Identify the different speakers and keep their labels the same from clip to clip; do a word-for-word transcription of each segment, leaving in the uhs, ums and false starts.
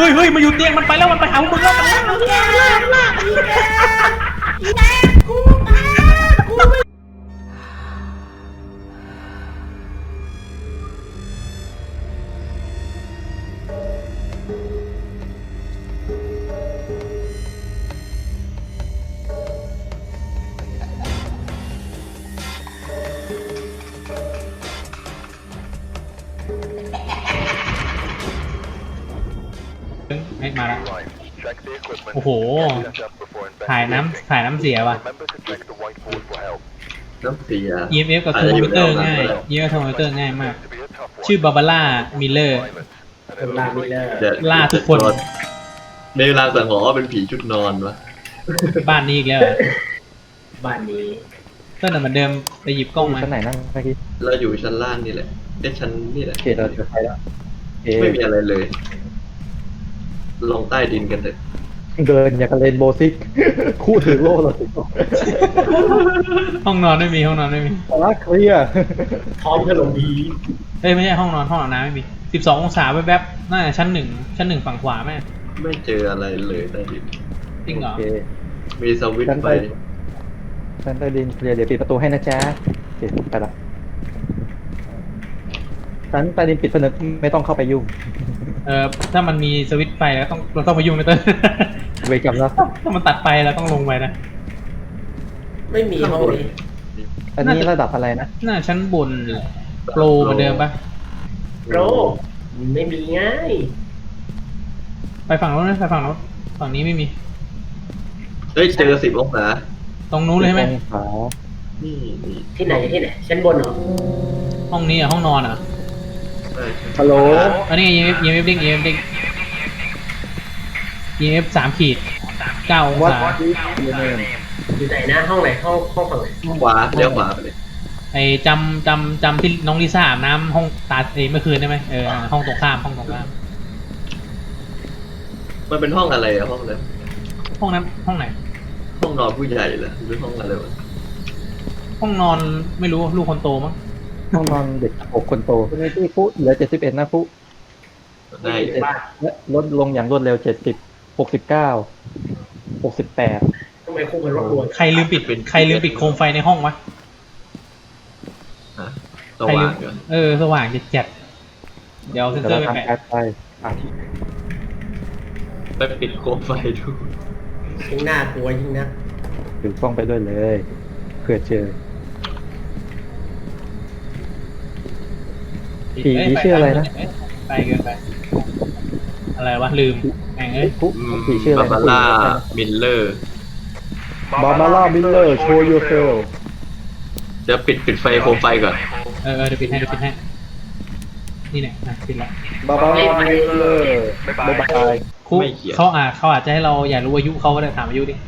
Speaker 1: ฮ้ยเฮ้ยมาอยู่เตียงมันไปแล้วมันไปหาพวกมึงแล้ว ไม่มาแล้วโอ้โหถ่ายน้ำถ่ายน้ำเสียว่ะ
Speaker 2: น้ำเสีย
Speaker 1: อี เอ็ม เอฟ กับเทอร์โมมิเตอร์ง่าย อี เอ็ม เอฟ กับเทอร์โมมิเตอร์ง่ายมากชื่อบาบาร่ามิลเลอร์
Speaker 3: ลามิเลอร์
Speaker 1: ล่าทุกคน
Speaker 2: ในเวลาสังหรณ์ว่าเป็นผีชุดนอนวะ
Speaker 1: บ้านนี้อีกแล้วเหรอ
Speaker 3: บ้านนี้
Speaker 1: เต้นเหมือนเดิมไปหยิบกล้องมา
Speaker 4: ชั้นไหนนั่งเมื่อกี้
Speaker 2: เราอยู่ชั้นล่างนี่แหละไอ้ชั้นนี่แหละ
Speaker 4: เขตเราจะไปแล้วเอ๊
Speaker 2: ไม่มีอะไรเลย ลงใต้ดินกันเถอะ
Speaker 4: เดินอย่างกับเลนโบว์ซิก คู่ถือโล่เราถึง
Speaker 1: ห้องนอนไม่มีห้องนอนไม่มี
Speaker 4: รักเคลียร์
Speaker 3: พร้อมขนมผี
Speaker 1: เอ้ยไม่ใช่ห้องนอนห้องอาบน้ำไม่มีสิบสององศาแวบๆน่าจะชั้นหนึ่งชั้นหนึ่งฝั่งขวาแม่
Speaker 2: ไม่เจออะไรเลยใต้ดิน
Speaker 1: จริงเหรอ
Speaker 4: โอเค
Speaker 2: มีสวิตช์ไฟ
Speaker 4: ชั้นใต้ดินเคลียร์เดี๋ยวปิดประตูให้นะจ๊ะโอเคไปละชั้นใต้ดินปิดผนึกไม่ต้องเข้าไปยุ่ง
Speaker 1: เออถ้ามันมีสวิตช์ไฟแล้วต้องเราต้องไปยุ่งนะเต้น
Speaker 4: เวกับแล้ว
Speaker 1: ถ้ามันตัดไฟเราต้องลงไปนะ
Speaker 3: ไม่มีห้องนี้
Speaker 4: อันนี้ระดับอะไรนะ
Speaker 1: น่าชั้นบนแหละโปรเหมือนเดิมปะ
Speaker 3: โรไม่มีง่าย
Speaker 1: ไปฝั่งโน้นนะไปฝั่งโน้นฝั่งนี้ไม่มี
Speaker 2: เฮ้ยเจอสิบองศา
Speaker 1: ตรงนู้นเลยใช่ไหม
Speaker 4: องศา
Speaker 2: นี่นี่
Speaker 3: ที่ไหนที่ไหนชั้นบนเหรอ
Speaker 1: ห้องนี้อ่ะห้องนอนอ่ะ
Speaker 2: ใช่ใช่
Speaker 4: ฮัลโหล
Speaker 1: อันนี้ อี เอ็ม เอฟ อี เอ็ม เอฟ เด้ง อี เอ็ม เอฟ เด้ง อี เอ็ม เอฟ สามขีดเก้าอง
Speaker 4: วัด
Speaker 1: ศา
Speaker 4: ดีเนม
Speaker 3: อยู่ไหนนะห้องไหนห้องห้องฝั่งไหน
Speaker 2: ขวาเลี้ยวขวาไปเลย
Speaker 1: ไอจำจำจำที่น้องลิซ่าอาบน้ำห้องตาเอยเมื่อคืนได้ไหมเออห้องตรงข้ามห้องตรงข้าม
Speaker 2: มันเป็นห้องอะไรอะห้องนั้น
Speaker 1: ห้องนั้นห้องไหน
Speaker 2: ห้องนอนผู้ใหญ่เหรอหรือห้องอะไรวะ
Speaker 1: ห้องนอนไม่รู้ลูกคนโตมั้ง
Speaker 4: ห้องนอนเด็กหกคนโตคุณไอ้ที่ฟุเหลือเจ็ดสิบเอ็ดนะฟุ
Speaker 2: ได้
Speaker 3: บ้าน
Speaker 4: ลดลงอย่างรวดเร็วเจ็ดสิบหกสิบเก้าหกสิบแปด
Speaker 3: ทำไมคู่มันรบกวน
Speaker 1: ใครลืมปิดใครลืมปิดโคมไฟในห้องวะ
Speaker 2: ฮะส
Speaker 1: ใครลื
Speaker 2: ว่าม งเหรอ
Speaker 1: เออสว่างจัดจัดเดี๋ยวเอาเซนเซอ
Speaker 4: เรา
Speaker 1: ร์ไป
Speaker 4: ทำ
Speaker 1: แปะ
Speaker 4: แอดไปอ่ะ
Speaker 2: ไปปิดโคมไฟดู
Speaker 3: ยิ่งน่ากลัวยิ่งนะ
Speaker 4: ถือกล้องไปด้วยเลยเผื่อเจอ ผี
Speaker 1: เย
Speaker 4: ชื่ออะไรนะ
Speaker 1: ไปเกินไปอะไรวะลืมแม่งเอ้ย
Speaker 4: ฟุผีชื่ออะไร
Speaker 2: บาบาร่ามิลเลอร์
Speaker 4: บาบาร่ามิลเลอร์โชว์ยูเซล
Speaker 2: เดี๋ยวปิดปิดไฟโคมไฟก่อน
Speaker 1: เออเออเดี๋ยวปิดให้เดี๋ยวปิดให้นี่เนี่ยอ่ะปิดละ
Speaker 4: บาบาร่ามิลเลอร์บ๊ายบาย
Speaker 1: ครูเขาอ่ะเขาอาจจะให้เราอยากรู้อายุเขาก็ได้ถามอายุดิ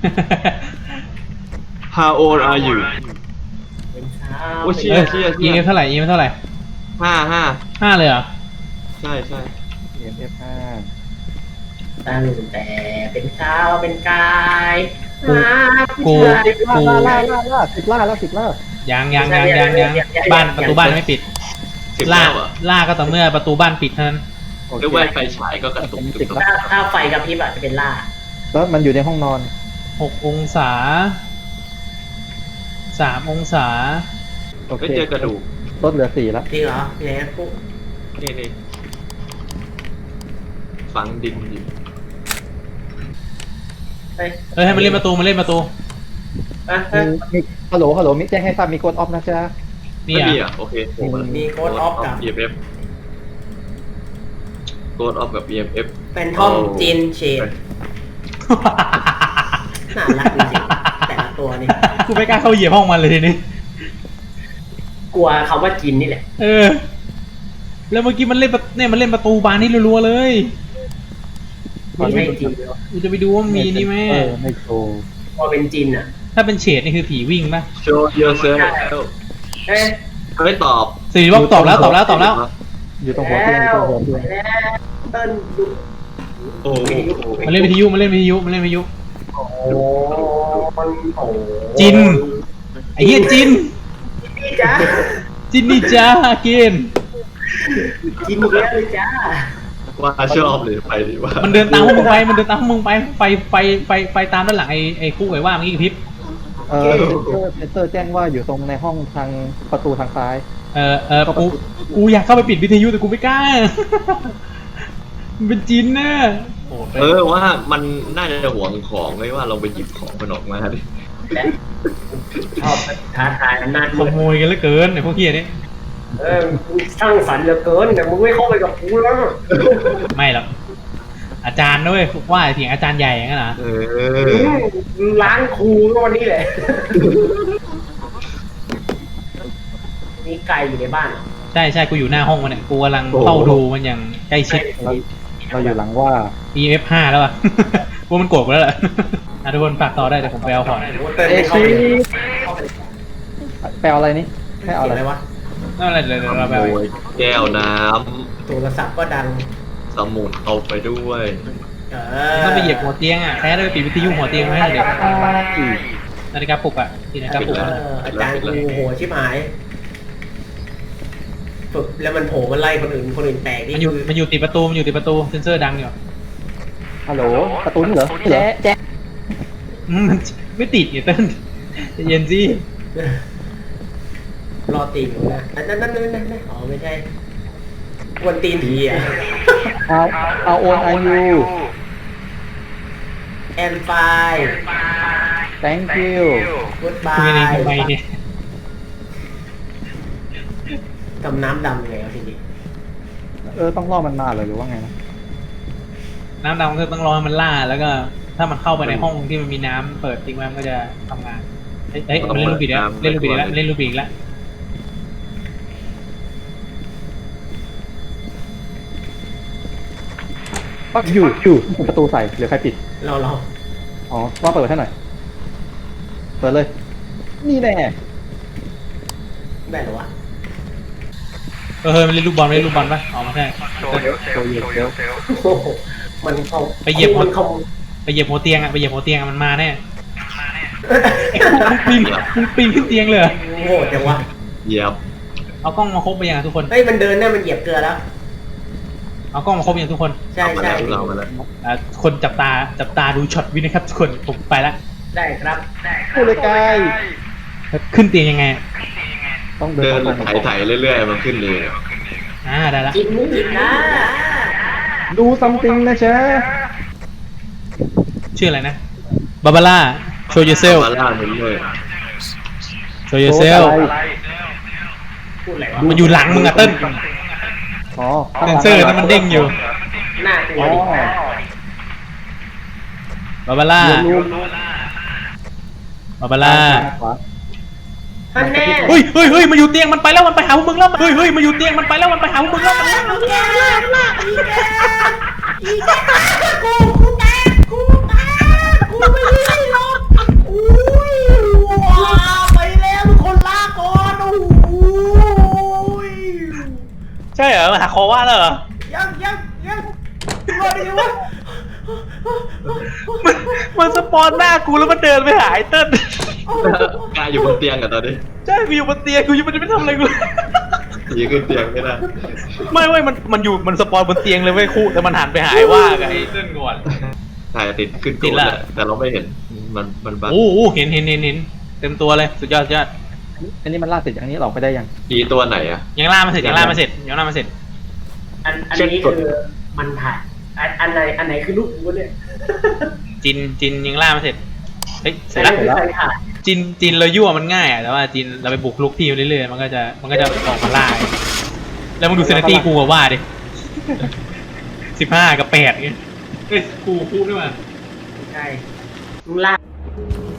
Speaker 2: How old are you
Speaker 3: เป็นเช้า
Speaker 2: โอ้เชี่ย
Speaker 1: เอ้ย อี เอ็ม เท่าไหร่ อี เอ็ม เท่าไหร่
Speaker 2: ห้าห้า
Speaker 1: ห้าเลยเหรอ
Speaker 2: ใช่ใช่
Speaker 4: เอ็มเอฟห้า
Speaker 3: ตั้งแต่เป็นเช้าเป็นกาย
Speaker 1: กู
Speaker 3: หาผู้
Speaker 1: กู
Speaker 3: ชาย
Speaker 4: ล่าล่าล่าล่าสิบล่าแล้วสิบล่า
Speaker 1: ยังยังยังยังยังบ้านประตูบ้านไม่ปิด
Speaker 2: สิบ
Speaker 1: ล่า
Speaker 2: แล้วอ่ะ
Speaker 1: ล่าก็ต่อเมื่อประตูบ้านปิดเท่านั้น
Speaker 4: โอเค
Speaker 2: ด้วยว่าไฟฉายก็กระตุกตุกตุก
Speaker 3: ถ้าถ้าไฟกระพริบอะจะเป็นล่า
Speaker 4: แล้วมันอยู่ในห้องนอน
Speaker 1: หกองศาสามองศา
Speaker 4: โอ
Speaker 2: ไม่
Speaker 4: เค
Speaker 2: เจอกระดูก
Speaker 4: ลดเหลือสี่แล้ว
Speaker 3: จริงเหรอพี่ไหนปุ๊บ
Speaker 2: นี่นี่ฝังดินอยู่
Speaker 3: เฮ้ย
Speaker 1: เฮ้ยให้มันเล่นประตูมันเล่นประตู
Speaker 3: อ่ะ
Speaker 4: มี
Speaker 3: ฮะ
Speaker 4: มีฮัลโหลฮัลโหลมิแจ้งให้ทราบมีโกดออฟนะจ๊ะ
Speaker 1: นี่
Speaker 2: ไม่
Speaker 1: อ่ะ
Speaker 2: มีอ่ะโอเคโอ้โห
Speaker 3: มีโค้ดออฟกับ
Speaker 2: อี เอ็ม เอฟโกดออฟกับ อี เอ็ม เอฟ
Speaker 3: เป็นทอมจินเชดน่ารักจริงๆแต่ละตัวนี่
Speaker 1: กูไม่กล้าเข้าเหยียบห้องมันเลยทีนี้
Speaker 3: กลัวคำว่าจินนี่แหละ
Speaker 1: เออ แล้วเมื่อกี้มันเล่นประเนี่ยมันเล่นประตูบานนี่รัวๆเลย
Speaker 3: มันไม่จินเลย
Speaker 1: กูจะไปดูว่ามันมีนี่ไหม
Speaker 4: เออไม่โชว์
Speaker 3: พอเป็นจินอ่ะ
Speaker 1: ถ้าเป็นเฉดนี่คือผีวิ่งป่ะ
Speaker 2: show yourself
Speaker 3: เอ๊ะ
Speaker 2: เฮ้ยตอบ
Speaker 1: สิริวัฒน์ตอบแล้วตอบแล้วตอบแล้ว
Speaker 4: อยู่ตรงหัวเตียงอยู่ตรงหัวเตียง
Speaker 3: แล้วเติ้ลดู
Speaker 2: โอ้โห
Speaker 1: มันเล่นวิทยุมันเล่นวิทยุมันเล่นวิทยุ
Speaker 3: โอ้มันโอ้
Speaker 1: จิน ไอ้เหี้ยจิน
Speaker 3: นี่จ้า
Speaker 1: จินนี่จ้าเกน
Speaker 3: จินอีกแล้วเลยจ้า
Speaker 2: ว่าชอบหรือไปดีว่า
Speaker 1: มันเดินตามพวกมึงไปมันเดินตามพวกมึงไปไฟไฟไฟไฟตามด้านหลังไอ้ไอ้คู่ไอ้ว่าเมื่อกี้กระพริบ
Speaker 4: เออเซนเซอร์เซนเซอร์แจ้งว่าอยู่ตรงในห้องทางประตูทางซ้าย
Speaker 1: เออเออกูกูอยากเข้าไปปิดวิทยุแต่กูไม่กล้า มันเป็นจินนะโอ้
Speaker 2: เออว่ามันน่าจะห่วงของเลยว่าเราไปหยิบของมันออกมาดิ
Speaker 3: และชอบท้าทายอำนาจ
Speaker 1: ข
Speaker 3: มืด
Speaker 1: โมยกันเหลือเกินไอ้พวกเฮียนี่
Speaker 3: เออมึงสร้างสรรค์เหลือเกินแต่มึงไม่เข้าไปกับกูแล้ว
Speaker 1: ไม่หรอกอาจารย์ด้วยว่าเถียงอาจารย์ใหญ่อย่างนั้นเหรอ
Speaker 2: เออ
Speaker 3: มึงล้างครูก็วันนี้แหละมีไก่อยู่ในบ้านเหรอ
Speaker 1: ใช่ใช่กูอยู่หน้าห้องมันเนี่ยกูกำลังเฝ้าดูมันอย่างใกล้ชิด
Speaker 4: เราเราอยู่หลังว่า
Speaker 1: อี เอฟ ห้าแล้วอ่ะ ว่ามันโกรธกูแล้วแหละ อ่ะทุกคนฝากต่อได้แต่ผมไปเอาของ
Speaker 3: เต้น
Speaker 4: เอ
Speaker 3: ไม่เข้า
Speaker 4: ชี
Speaker 3: ไป
Speaker 4: แปลอะไรนี่ให้เอา
Speaker 3: เสียง
Speaker 4: อะไร
Speaker 3: อะไรวะ
Speaker 1: นั่นอะไรเดี๋ยวเราไป
Speaker 2: ข
Speaker 1: เอา
Speaker 2: โมยแก้วน้
Speaker 3: โทรศัพท์ก็ดัง
Speaker 2: ำสมุดเอาไปด้วย
Speaker 3: เอ
Speaker 1: ต้องไปเหยียบหัวเตียงอ่ะแค่ได้ไปปิดวิทยุหัวเตียงไว้ให้เด็กนาฬิกาปลุกอ่ะที่นาฬิกาปลุก
Speaker 3: เอ
Speaker 1: อะ
Speaker 3: ออาจารย์กูโหชิบหายฝึกแล้วมันโผล่มาไล่คนอื่นคนอื่นแตกนี่
Speaker 1: มันอยู่
Speaker 3: คือ
Speaker 1: มันอยู่ติดประตูมันอยู่ติดประตูเซนเซอร์ดังอยู่
Speaker 4: ฮัลโหลประตูนี่เหรอแจ๊ะแจ๊ะ
Speaker 1: อืมมันไม่ติดอยู่เต้นใจเย็นสิ
Speaker 3: รอตีนอยู่นะอันนั้นนั่นนั่นนั่นอ๋อไม่ใช่กวนตีนผีอ่ะ
Speaker 4: เอาเอาโอนไอยู
Speaker 3: แอนไฟ
Speaker 4: thank you
Speaker 3: กูดบา
Speaker 1: คุยใน
Speaker 3: ย
Speaker 1: ทำไมเนี่ย
Speaker 3: ทำน้ำดำยังไงวะทีนี้
Speaker 4: เออต้องรอมันมาเลยหรือว่าไงนะ
Speaker 1: น้ำดำก็ต้องรอให้มันล่าแล้วก็ถ้ามันเข้าไปในห้องที่มันมีน้ำเปิดทิ้งไว้มันก็จะทำงานเฮ้ยเฮ้ยมันเล่นลูกบิดแล้วเล่นลูกบิดแล้วเล่นลูกบิดอีกแล้ว
Speaker 4: ปักอยู่อยู่ประตูใส่หรือใครปิด
Speaker 3: เราเรา
Speaker 4: อ๋อว่าเปิดให้หน่อย เปิดเลย นี่แน่
Speaker 3: ได้เหรอวะ
Speaker 1: เออมันเล่นลูกบอลเล่นลูกบอลปะอ๋อไม่ใช่
Speaker 4: ตัวเย็นเดี๋ยว
Speaker 3: โอ้โหมันเข้า
Speaker 1: ไปเหยียบ
Speaker 3: มันเข้า
Speaker 1: ไปเหยียบหัวเตียงอ่ะไปเหยียบหัวเตียงอะมันมาแน่ไอ้พวกมึงปีนมึงปีนขึ้นเตียงเลยเหรอ
Speaker 3: โง่จังวะ
Speaker 2: เหยียบ
Speaker 1: เอากล้องมาครบไปยังอะทุกคน
Speaker 3: เฮ้ยมันเดินเนี่ยมันเหยียบเกลือแล้ว
Speaker 1: เอากล้องมาครบยังทุกคน
Speaker 3: ใช่
Speaker 2: เอามา
Speaker 3: ใช่
Speaker 2: แล้วเรามาแล้ว
Speaker 1: อ่าคนจับตาจับตาดูช็อตวินะครับทุกคนผมไปละ
Speaker 3: ได้ครับ
Speaker 4: พูดเลยกาย
Speaker 1: ขึ้นเตียงยังไงอะ
Speaker 4: ต้องเดิ
Speaker 2: เดิน
Speaker 4: น
Speaker 2: ไถไถๆเรื่อยๆมันขึ้นเลย
Speaker 1: อ่าได้ละ
Speaker 3: กินกินนะ
Speaker 4: ดูซัมติงนะเชฟ
Speaker 1: ชื่ออะไรนะบาบาร่าโชว์ยูเซล
Speaker 2: มาล่ามันเลย
Speaker 1: โชว์ยูเซล
Speaker 3: พูดอะไรวะ
Speaker 1: มันอยู่หลังมึงอะเติ้ล
Speaker 4: อ๋อ
Speaker 1: เซนเซอร์นั้นมันเด้งอยู่
Speaker 3: หน้ากลัว
Speaker 4: อ๋อ
Speaker 3: ดิ
Speaker 1: บาบาร่า
Speaker 4: รู้
Speaker 1: บาบาร่า
Speaker 4: ขวา
Speaker 3: ท่านแน่
Speaker 1: เฮ้ยเฮ้ยเฮ้ยมาอยู่เตียงมันไปแล้วมันไปหาพวกมึงแล้วเฮ้ยเฮ้ยมาอยู่เตียงมันไปแล้วมันไปหาพวกมึงแล้วมัน
Speaker 3: อีแกลากลากอีแกอีแกกูกูแตกกูแตกกูไม่ได้หรอกอุ้ยว้าไปแล้วทุกคนลากก่อนโอ้ย
Speaker 1: ใช่เหรอมาหาคอว่าแล้วเหรอ
Speaker 3: ยังยังยังรอดดีวะ
Speaker 1: มันมันสปอนหน้ากูแล้วมันเดินไปหาไอ้เติ้ล
Speaker 2: กายอยู่บนเตียงกันตอนนี้
Speaker 1: ใช่กูอยู่บนเตียงกูยังไม่ได้ไปทำอะไรกูเลย
Speaker 2: ยีขึ้นเตียงไม่ได้
Speaker 1: ไม่เว้ยมันมันอยู่มันสปอนบนเตียงเลยเว้ยคู่แต่มันหันไปหาไอ้ว่ากับไอ้เติ้ลก่อน
Speaker 2: ถ่ายติดขึ้น
Speaker 1: ติดละ
Speaker 2: โกรธแต่เราไม่เห็นมันมันบัง
Speaker 1: โอ้โหเห็นเห็นเห็นเห็นเต็มตัวเลยสุดยอดสุดยอด
Speaker 4: อันนี้มันล่าเสร็จอย่างนี้หลอกไปได้ยัง
Speaker 2: อีตัวไหนอะ
Speaker 1: ยังล่ามาเสร็จยังล่ามาเสร็จยังล่ามาเสร็จ
Speaker 3: อันอันนี้คือมันถ่ายอันอันไหนอันไหนคือลูกกูเนี่ย
Speaker 1: จินจินยังล่ามาเสร็จเฮ้ยเสร็
Speaker 3: อั
Speaker 1: จ
Speaker 3: น
Speaker 1: แล้ว
Speaker 3: นี้คือใครถ่าย
Speaker 1: จินจินเรายั่วมันง่ายอะแต่ว่าจินเราไปบุกลุกที่มันเรื่อยๆมันก็จะมันก็จะออกมาล่าแล้วมึงดูเซนตี้กูกับว่าดิสิบห้ากับแปดเงี้ยเฮ้ยกูคู่ด้วยมั้ย
Speaker 3: ใช่มึงลาก